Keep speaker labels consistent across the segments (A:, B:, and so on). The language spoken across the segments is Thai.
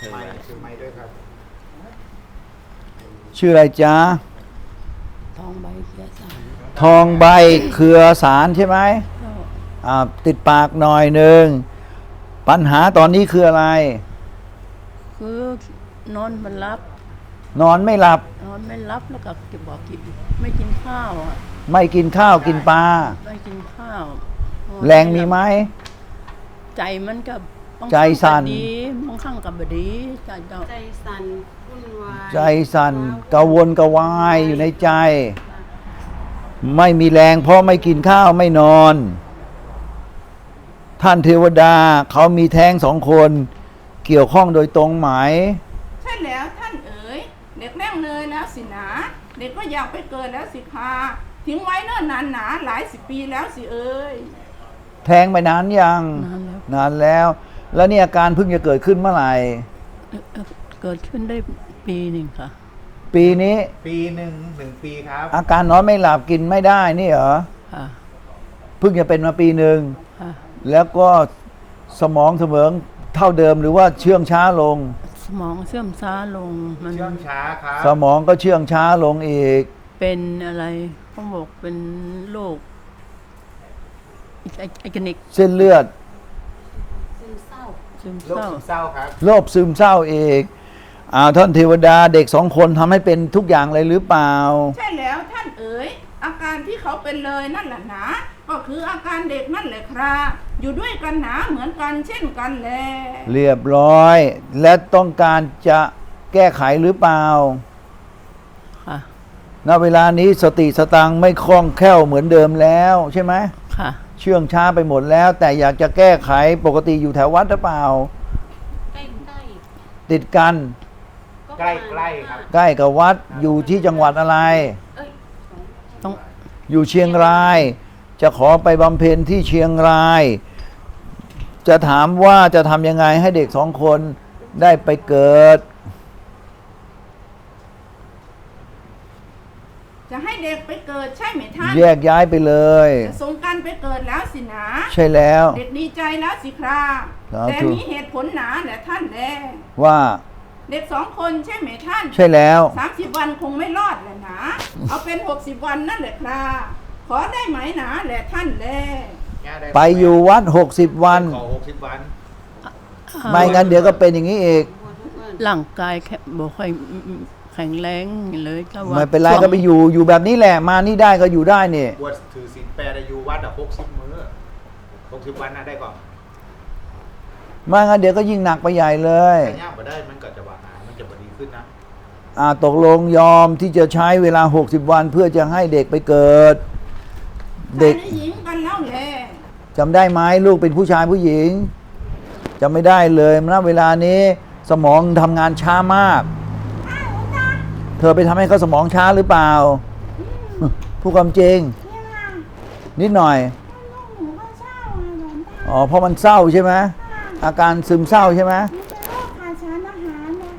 A: ไม่ชื่อไม่ด้วยครับ
B: ชื่ออะไรจ๊ะ
C: ทองใบเขียสาร
B: ทองใบเครือสารใช่ไหม
C: ก็
B: ติดปากหน่อยหนึ่งปัญหาตอนนี้คืออะไร
C: คือนอนมันรับ
B: นอนไม่หลับ
C: นอนไม่รับแล้วก็จะบอกกินไม่กินข้าวอ่ะ
B: ไม่กินข้าวกินปลา
C: ไม่กินข้าวอน
B: แรงมีไหม
C: ใจมันก็บาง
B: ใจสั่น
C: ครั้งก็ดีบางครั้งก็บดีใจเจ้า
D: ใจสั่นวุ่นวาย
B: ใจสั่นกระวนกระวายอยู่ในใจ ไม่มีแรงเพราะไม่กินข้าวไม่นอน ท่านเทวดาเขามีแท้งสองคน เกี่ยวข้องโดยตรงไหม
E: ใช่แล้วท่านเอ๋ยเด็กแร่งเลยแล้วสินะเด็กก็อยากไปเกิดแล้วสิคะทิ้งไว้เนิ่นนานหนาหลายสิบปีแล้วสิเอ๋ย
B: แท้งไปนานยัง
C: นานแล้ว
B: นานแล้ว แล้วนี่อาการเพิ่งจะเกิดขึ้นเมื่อไหร่
C: เกิดขึ้นได้ปีหนึ่งค่ะ
B: ปีนี้
A: ปีหนึ่งปีครับ
B: อาการนอนไม่หลับกินไม่ได้นี่เหรอ
C: ค่ะ
B: เพิ่งจะเป็นมาปีหนึ่ง
C: ค่ะ
B: แล้วก็สมองเสมองเท่าเดิมหรือว่าเชื่องช้าลง
C: สมองเสื่อมช้าลงมัน
A: เชื่องช้าครับ
B: สมองก็เชื่องช้าลงอีก
C: เป็นอะไรเขาบอกเป็นโรคไอคนิก
B: เส้นเลือด
D: ซึมเศร้า
C: ซึม
A: โรค
C: เศร้า
A: ซึมเศร้าครับ
B: โรคซึมเศร้าอีกท่านเทวดาเด็กสองคนทำให้เป็นทุกอย่างเลยหรือเปล่า
E: ใช่แล้วท่านเอ๋ยอาการที่เขาเป็นเลยนั่นแหละหนะก็คืออาการเด็กนั่นแหละครับอยู่ด้วยกันหนาเหมือนกันเช่นกันแล
B: เรียบร้อย และต้องการจะแก้ไขหรือเปล่า
C: ค่ะ
B: ณเวลานี้สติสตังค์ไม่คล่องแคล่วเหมือนเดิมแล้วใช่ไหม
C: ค่ะ
B: เชื่องช้าไปหมดแล้ว แต่อยากจะแก้ไขปกติอยู่แถววัดหรือเปล่า
D: ใกล้ใกล้
B: ติดกัน
A: ใกล้ๆครับ
B: ใกล้กับวัดอยู่ที่จังหวัดอะไร
D: เอ้ย
C: ต้อง
B: อยู่เชียงราย จะขอไปบำเพ็ญที่เชียงราย จะถามว่าจะทำยังไงให้เด็กสองคนได้ไปเกิด
E: จะให้เด็กไปเกิดใช่ไหมท่าน
B: แยกย้ายไปเลย
E: จะส่งกันไปเกิดแล้วสินะ
B: ใช่แล้ว
E: เด็กดีใจแล้วสิครับ
B: สาธุ
E: แต่มีเหตุผลหนาแหละท่านแล
B: ว่า
E: เด็กสองคนใช่ไหมท่าน
B: ใช่แล้ว
E: 30 วันคงไม่รอดแหละนะ เอาเป็น 60 วันนั่นแหละครับขอได้ไหมหนาแหละท่านแล
A: แก้ด้หม
B: ไปอยู่วัด60 วัน
A: ขอ60 วัน
B: ไม่งั้นเดี๋ยวก็เป็นอย่างนี้อีก
D: ปวดทุกวัน
C: ร่างกายแค่บอกค่อยแข็งแรงเลยก็ว่า
B: ไม่เป็นไร
C: ช่วง
B: ก็ไปอยู่แบบนี้แหละ มานี่ได้ก็อยู่ได้นี่
A: บวชถือศีลแปดอายุวัด60 มื้อ60 วันน่ะได้ก่อน
B: ไม่งั้นเดี๋ยวก็ยิ่งหนักไปใหญ่เลย
A: แต่ย่างมาได้มันก็จะว่าหายมันจะบดีขึ้นนะ
B: ตกลงยอมที่จะใช้เวลา60 วันเพื่อจะให้เด็กไปเกิด เด็ก
E: ชายและหญิงกันแล้วแล
B: จำได้ไหมลูกเป็นผู้ชายผู้หญิงจำไม่ได้เลยณเวลานี้สมองทำงานช้ามาก เธอไปทำให้เขาสมองช้าหรือเปล่าพูดความจริง นิดหน่อย
E: หนูก็เศร้าอะหลวงตา
B: อ๋อเพราะมันเศร้าใช่ไหมอาการซึมเศร้าใช่ไหม
E: หนูเป็นโรคขาดสารอาหารนะ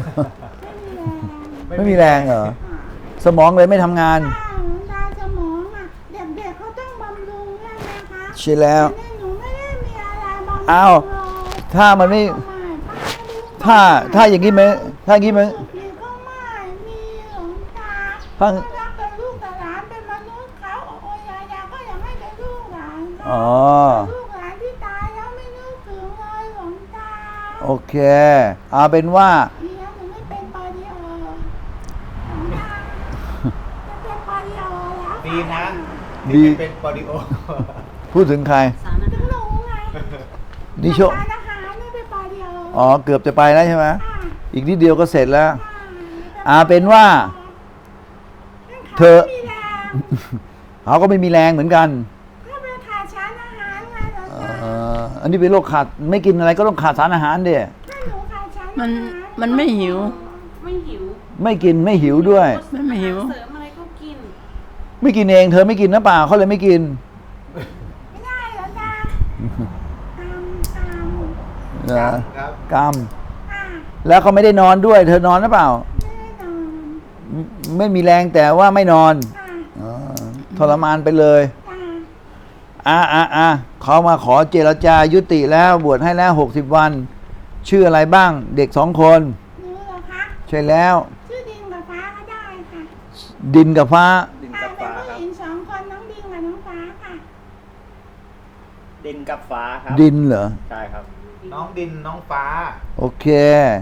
E: ไม่มีแรง
B: ไม่มีแรงเหรอสมองเลยไม่ทำงาน
E: ป้าหลวงตาสมองอ่ะเด็กๆเขาต้องบำรุงใช่ไหมคะ
B: ใช่แล้ว
E: ต่นี่หนูไม่ได้มีอะไรบำรุง
B: อ้าว
E: เลย
B: ถ้ามันไม่
E: ป้าดู
B: ถ้าอย่างนี้ไหมถ้าอย่างนี้ไหม
E: มีก็ไม่มีหลวงตา
B: ถ้า
E: ก็รักเป็นลูกกับหลานเป็นมนุษย์เขาโอยายาก็ยังให้เป็นลูกหลานเขา
B: อ๋อ
E: ลูกหลานที่ตายแล้วไม่นึกถึงเลยหลวงตา
B: โอเคเอาเป็นว่า
E: ดีนะหนูไม่เป็นปอลิโอหลวงตาจะเป็นปอลิโอแล้ว
A: ดีนะ
B: ดี
A: ที่ไม่เป็นปอดิโอ
B: พูดถึงใคร
D: สารอา
E: ถึง
D: หาร
E: หนูไง
B: นิโช
E: ทานอาหารไม่เป็นปอลิโอ
B: อ๋อเกือบจะไปแล้วใช่ไหม
E: ค่ะ
B: อีกนิดเดียวก็เสร็จแล้ว
E: ค่ะ
B: เป็นว่า เธอ
E: ไม่มีแรง
B: เขาก็ไม่มีแรงเหมือนกัน
E: ก็เป็นขาดสารอาหารไงหลวงตา
B: อันนี้เป็นโรคขาดไม่กินอะไรก็ต้องขาดสารอาหารเดีย
E: ถ้าหนูขาดสารอาหาร
C: มันไม่หิว
D: ไม่หิว
B: ไม่กินไม่หิวด้วย
C: ไม่หิว
D: เสริมอะไรก็กิน
B: ไม่กินเองเธอไม่กินนะเปล่าเขาเลยไม่กิน
E: ไม่ได้หลวงตากรรม
A: ครับ
B: กรรม
E: อ่ะ
B: แล้วเขาไม่ได้นอนด้วย เธอนอนหรือเปล่า
E: ไม่ได้นอน
B: ไม่มีแรงแต่ว่าไม่นอน
E: ค่ะ
B: อ๋อทรมานไปเลย
E: ค่ะ
B: เขามาขอเจรจายุติแล้วบวชให้แล้ว60 วันชื่ออะไรบ้าง เด็ก2 คน
E: หนูเหรอคะ
B: ใช่แล้ว
E: ชื่อดินกับฟ้าก็ได้ค่ะ
B: ดินกับฟ้า
F: ดิน
E: ค่ะ
F: กับ
E: เป็น
F: ฟ้าครับ
E: ผู้หญิง2 คนน้องดินกับน้องฟ้าค่ะ
F: ดินกับฟ้าครับ
B: ดินเหรอ
F: ใช่ครับ
A: น้องดินน้องฟ้า
B: โอเค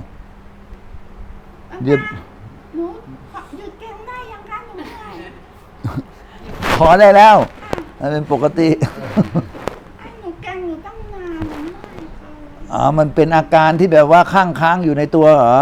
B: เดี๋ยว
E: หนูขอหยุดเก่งได้ยังคะหนูเหนื่อย
B: ขอได้แล้วอันเป็นปกติ
E: ให้หนูเก่งอยู่ตั้งนานหนูเหนื่อยเกิน
B: มันเป็นอาการที่แบบว่าค้างอยู่ในตัวเหรอ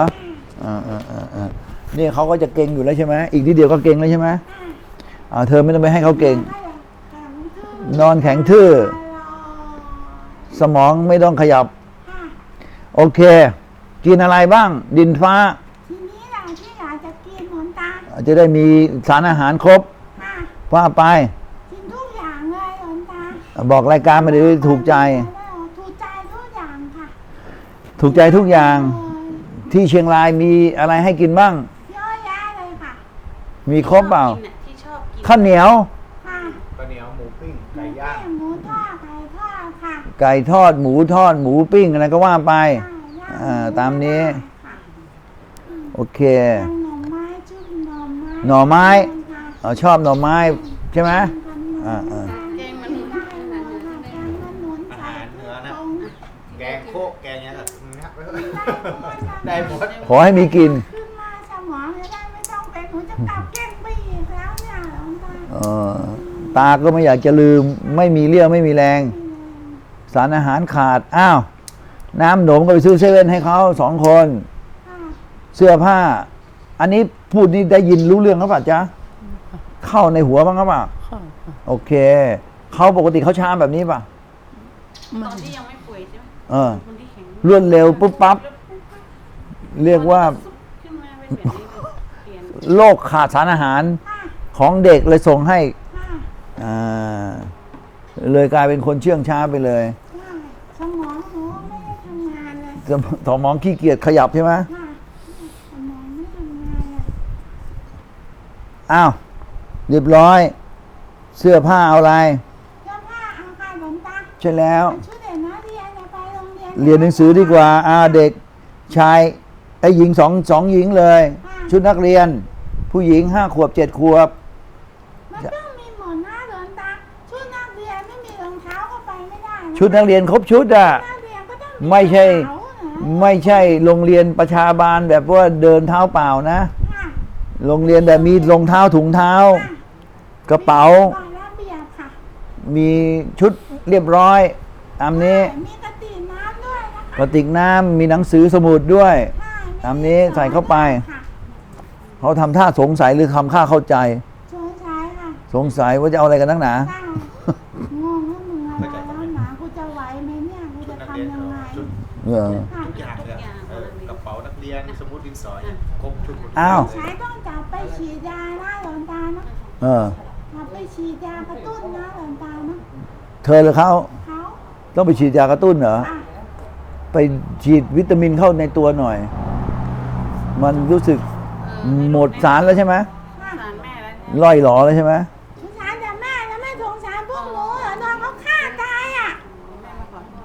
B: นี่เขาก็จะเก่งอยู่แล้วใช่ไหมอีกนิดเดียวก็เก่งแล้วใช่ไหมเธอไม่ต้องไปให้เขาเก่ง นอนแข็งทื่อ สมองไม่ต้องขยับ โอเค กินอะไรบ้าง ดินฟ้า
E: ทีนี้เราที่อยากจะกินหลวงตา
B: จะได้มีสารอาหารครบ
E: ค่ะ
B: ว่าไป
E: กินทุกอย่างเลยหลวงตา
B: บอกรายการมาได้ถูกใจ
E: ถูกใจทุกอย่างค่ะ
B: ถูกใจทุกอย่าง ที่เชียงรายมีอะไรให้กินบ้าง
E: เยอะแยะเลยค่ะ
B: มีครบเปล่า
D: ที่ชอบกิน
B: ข้าวเหนียว
E: ค่ะ
A: ข้าวเหนียวหมูปิ้งไก่ย่าง
E: หมูทอดไก่ทอดค่ะ
B: ไก่ทอด หมูทอด หมูปิ้งอะไรก็ว่าไป
E: ย่ง
B: ตามนี้
E: ค่ะ
B: โอเค
E: หน่อไม้จุ่มหน่อไม้
B: หน่อไม้
E: ค่ะ
B: ชอบหน่อไม้ใช่ไหม อ่า
D: แกงมันหนุนขนาดนั้นได้
A: อาหารเหนือนะ แกงโคกแกงเนี้ยได้หมด
B: ขอให้มีกิน
E: ขึ้นมาสมองจะได้ไม่ต้องเป็นหนูจะกลับเก้งไปอีกแล้วเนี่ยหลวงตา
B: ตาก็ไม่อยากจะลืม ไม่มีเรี่ยวไม่มีแรง สารอาหารขาด อ้าว น้ำหนมก็ไปซื้อเซเว่นให้เขา2 คน
E: ค่ะ
B: เสื้อผ้า อันนี้พูดนี่ได้ยินรู้เรื่องหรือเปล่าจ๊ะ เข้าในหัวบ้างหรือเปล่า
C: ค่ะ
B: โอเค เขาปกติเขาช้าแบบนี้ป่ะ
D: ตอนที่ยังไม่ป่วยใช่ไหม คนที่แข็ง
B: รวดเร็วปุ๊บปั๊บ เรียกว่า
D: ขึ้นมาเป็นแบบนี้เลยเปลี่ยน
B: โรคขาดสารอาหาร
E: ค่ะ
B: ของเด็กเลยส่งให้
E: ค่ะ
B: อ่าเลยกลายเป็นคนเชื่องช้าไปเลย
E: ค่ะสมองหนูไม่ได้ทำงานเลย
B: สมองขี้เกียจขยับใช่ไหม
E: ค่ะสมองไม่ทำงานเลย
B: อ้าว เรียบร้อย เสื้อผ้าเอาอะไร
E: เสื้อผ้าเอาค่ะหลวงตา
B: ใช่แล้ว
E: ชุดเด็กนักเรียนจะไปโรงเรียน
B: เรียนหนังสือดีกว่าเด็กชายไอ้หญิงสองหญิงเลย ชุดนักเรียน ผู้หญิง5 ขวบ 7 ขวบ
E: มันต้องมีหมอนหน้าหลวงตาชุดนักเรียนไม่มีรองเท้าก็ไปไม่ได้นะ
B: ชุดนักเรียนครบชุดอ่ะ
E: นักเรียนก็ต้อง
B: ไม่ใช่
E: กระเป๋านะ
B: ไม่ใช่โรงเรียนประชาบาลแบบว่าเดินเท้าเปล่านะ
E: ค่ะ
B: โรงเรียนแบบมีรองเท้าถุงเท้า กระเป๋า
E: ก่อนระเบียบค่ะ
B: มีชุดเรียบร้อย ตามนี้
E: มีกระติกน้ำด้วยนะคะ
B: กระติกน้ำมีหนังสือสมุดด้วย
E: ค่ะ
B: ตามนี้ใส่เข้าไป
E: ค่ะ
B: เขาทำท่าสงสัยหรือทำท่าเข้าใจ
E: โชว์ใช้ค่ะ
B: สงสัยว่าจะเอาอะไรกันนักหนา
E: ได้งงว่ามึงอะไรแล้วหนากูจะไหวไหมเนี่ยกู
A: ชุด
E: จะ
A: นักเรียน
E: ทำยังไง
A: ชุด
E: ค่ะ
A: ทุกอย่างเลยกระเป๋านักเรียนสมุดดินสอครบชุดหมด
B: อ้าว
E: ใช้ต้องจับไปฉีดยาหน้าหลอนตาเนาะ
B: เออ
E: จับไปฉีดยากระตุ้นหน้าหลอนตาเนาะ
B: เธอหรือเขา
E: เขา
B: ต้องไปฉีดยากระตุ้นเหรอ
E: อ่ะ
B: ไปฉีดวิตามินเข้าในตัวหน่อย มันรู้สึกหมดสารแล้วใช่ไหม
E: ค่ะ
D: สารแม่แล้วเนี่ย
B: ล่อยหลอแล้วใช่ไหม
E: สงสารแต่แม่แล้วไม่สงสารพวกหนูเหรอโดนเขาฆ่าตายอ่ะ
D: แม่มาขอโทษ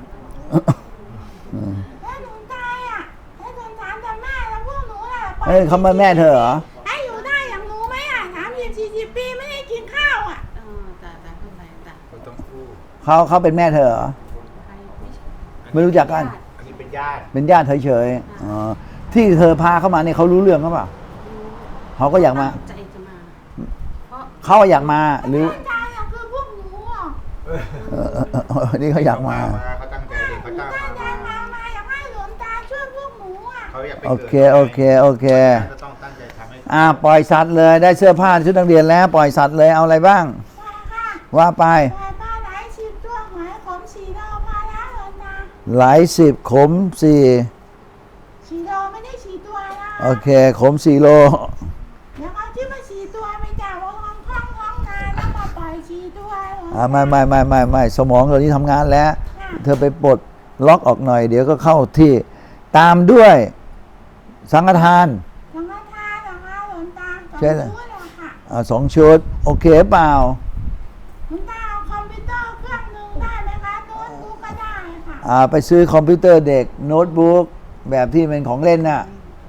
E: แล้วหนูตายอ่ะแล้วสงสารแต่แม่แล้วพวกหนูล่ะปล่อย
B: เฮ้ยเขามาแม่เธอเหรอ
E: ให้อยู่ได้อย่างหนูไหมอ่ะ30-40 ปีไม่ได้กินข้าวอ่ะ
D: จ้าเข้าใจจ้า
A: คนต้องพูด
B: เขาเป็นแม่เธอเหรอ
D: ใครไม่ใช่
B: ไม่รู้จักกัน
A: อันนี้เป็นญาติ
B: เป็นญาติเฉยๆอ๋อที่เธอพาเข้ามาเนี่ยเขารู้เรื่องหรือเปล่า เขาก็อยากมา
D: ใจจะมา เพราะ
B: เขาอยากมาหรือ
E: ตายอ่ะคือพวกหนูอ่ะ
B: นี่เขาอยากมา
A: เขาตั้งใจเด็กเขา
E: หนู
A: ตั้ง
E: ตั้งใจ
A: มา
E: มาอยากให้หลวงตาช่วยพวกหนูอ่ะ
A: เขาอยากไป
B: โอ
A: เกิด
B: เคโอเคโอเค
A: ก็ต้องตั้งใจทำให้
B: ปล่อยสัตว์เลย ได้เสื้อผ้าชุดนักเรียนแล้ว ปล่อยสัตว์เลย เอาอะไรบ้าง
E: ค่ะค่ะ
B: ว่าไป
E: ปล่อยปลาไหล10 ตัวหอยขม4 โลพอแล้วหลวงตา
B: หลายสิบขม4
E: 4 โลไม่ได้4 ตัวนะ
B: โอเค ขม4 โล
E: เดี๋ยวเอาที่มา4 ตัวไปจ่ายว่าห้องงานแล้วมาปล่อย4 ตัวหลวงตา
B: ไม่สมองตอนนี้ทำงานแล้ว เธอไปปลดล็อกออกหน่อย เดี๋ยวก็เข้าที่ ตามด้วยสังฆทาน
E: สังฆทานเหรอคะหลวงตา
B: ใช่เลย
E: ชุดเหรอค่ะ
B: 2 ชุด โอเคเปล่า
E: หลวงตาเอาคอมพิวเตอร์เครื่องหนึงได้ไหมคะโน้ตบุ๊กก็ได้ค่ะ
B: ไปซื้อคอมพิวเตอร์เด็กโน้ตบุ๊กแบบที่เป็นของเล่นน่ะ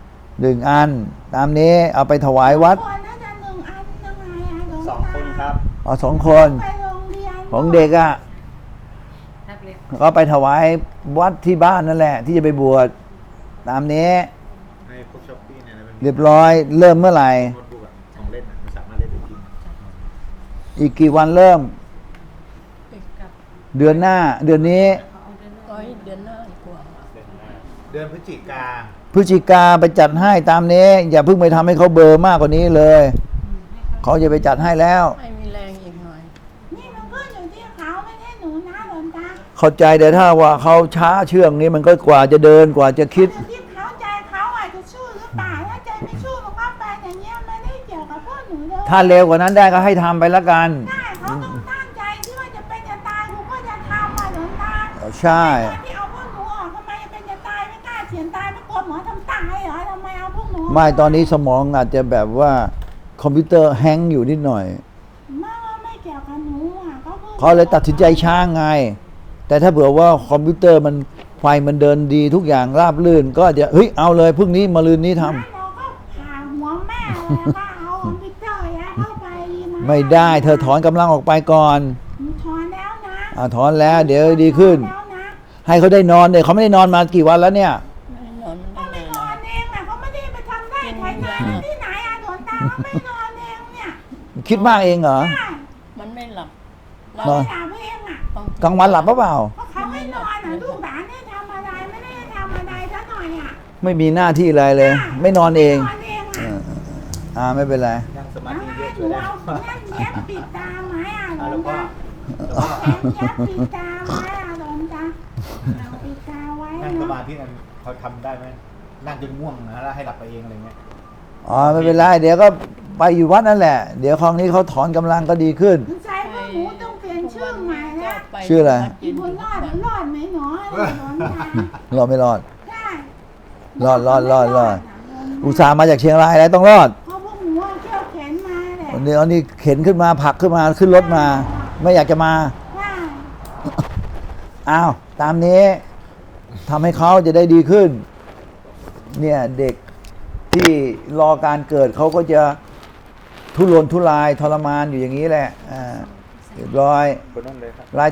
B: 1 อัน ตามนี้เอาไปถวายวัด
E: คนน่าจะ1 อันยังไงอะหลวงตา
F: 2 คนครับ
B: เอา2 คน
E: ไปโรงเรียน
B: ของเด็กอ่ะ
D: แท็บเล็ต
B: ก็ไปถวายวัดที่บ้านนั่นแหละ ที่จะไปบวชตามนี้
A: ในพวกช้อปปี้เนี่ยนะมันมี
B: เรียบร้อยเริ่มเมื่อไหร่
A: โน้ตบุ๊กอะของเล่นอะมันสามารถเล่นได้จริง
B: อีกกี่วันเริ่ม
C: อีกกับ
B: เดือนหน้า เดือนนี้
C: ร้อยเดือนหน้าดีกว่า
A: เดือนพฤศจิกา
B: พฤศจิกาไปจัดให้ตามนี้ อย่าเพิ่งไปทำให้เขาเบลอร์มากกว่านี้เลย เขาจะไปจัดให้แล้ว
C: ให้มีแรงอีกหน่อย
E: นี่มันก็อยู่ที่เขาไม่ใช่หนูนะหลวงตา
B: เข้าใจแต่ถ้าว่าเขาช้าเชื่องนี้มันก็กว่าจะเดินกว่าจะคิด
E: อยู่ที่เขาใจเขาอาจจะสู้หรือเปล่าถ้าใจไม่สู้มันก็ไปอย่างเงี้ยไม่ได้เกี่ยวกับพวกหนูเลย
B: ถ้าเร็วกว่านั้นได้ก็ให้ทำไปละกัน
E: ได้เขาต้องตั้งใจที่ว่าจะเป็นจะตายกูก็จะทำอ่ะหลวงตา
B: ใช่
E: ตอนที่เอาพวกหนูออกทำไมจะเป็นจะตายไม่กล้าเฉียนตายไม่กลัวหมอทำตายเหรอทำไมเอาพวกหนูก
B: ไม่ตอนนี้สมองอาจจะแบบว่าคอมพิวเตอร์แฮงก์อยู่นิดหน่อย
E: ไม่เกี่ยวกับหนูอ่ะก็คือ
B: เขาเลยตัดสินใจช้าไง แต่ถ้าเผื่อว่าคอมพิวเตอร์มันไฟมันเดินดีทุกอย่างราบรื่น ก็จะเฮ้ยเอาเลยพรุ่งนี้มะรืนนี้ทำ
E: เราก็ผ่าหัวแม่เลยแล้วก็เอาคอมพิวเตอร์ยัดเข้าไปดีนะ
B: ไม่ได้เธอถอนกำลังออกไปก่อน
E: หนูถอนแล้วนะ
B: ถอนแล้วเดี๋ยวดีขึ้น
E: ถอนแล้วนะ
B: ให้เขาได้นอนเนี่ยเขาไม่ได้นอนมากี่วันแล้วเนี่ย
C: ไม่นอน
E: เขา
C: ไม่
E: ไม่
C: ได้
E: น
C: เล
E: อย นเองอ่ะเขาไม่ได้ไปทำได้ใครงานที่ไหนอ่ะหลวงตาเขาไม่นอนเองเนี่ย
B: คิดมากเองเหรอ
E: ใช่
C: มันไม่หลับ
E: เรา
B: นอน
E: ไม่หลับเองอ่ะ
C: ต้อง
B: กลางวันหลับเปล่า
E: เพราะเขาไม่นอนอ่ะลูกหลานเนี่ยทำอะไรไม่ได้ทำอะไรซะหน่อยอ่ะ
B: ไม่มีหน้าที่อะไรเลย ไม่นอนเอง
E: นอนเองอ่ะ
B: ไม่เป็นไร
A: นั่งสมา
E: แล้ว
A: ธิเย
E: ให้
A: อะ
E: ห
A: ช่
E: นู
A: วยได้
E: เอาแง่เย็บปิดตาไหมอ่ะหล
A: อ่ะ
E: ว
A: แล้ว
E: ง
A: ก็
E: ตาแง่ปิดตาไหมอ่ะหลวงตาเอาปิดตาไว้
A: นั่งส
E: เนาะ
A: มาธินั้นเขาทำได้ไหมนั่งจนง่วงนะแล้วให้หลับไปเองอะไรเงี้ย
B: อ๋อไม่เป็นไรเดี๋ยวก็ไปอยู่วัดนั่นแหละ เดี๋ยวคราวนี้เขาถอนกำลังก็ดีขึ้น
E: ใจพวกหนูต้องเปลี่ยนชื่อใหม่แล้ว
C: ป
B: ชื่ออะไร
E: อีกคนรอดรอดไหมหนอหลวงตาร
B: อดไม่รอด
E: ได้
B: รอด
E: ะ
B: อุตส่าห์มาจากเชียงรายแล้วต้องรอด
E: เพราะพวกหนูเอาเที่ยวเข็นมาแหละ
B: วันนี้เข็นขึ้นมาผลักขึ้นมาขึ้นรถมา ไม่อยากจะมา
E: ว่า
B: อ้าวตามนี้ทำให้เขาจะได้ดีขึ้น เนี่ยเด็กที่รอการเกิดเขาก็จะทุรนทุรายทรมานอยู่อย่างนี้แหละเรียบร้อย
F: คนนั้นเลยครับ
B: ราย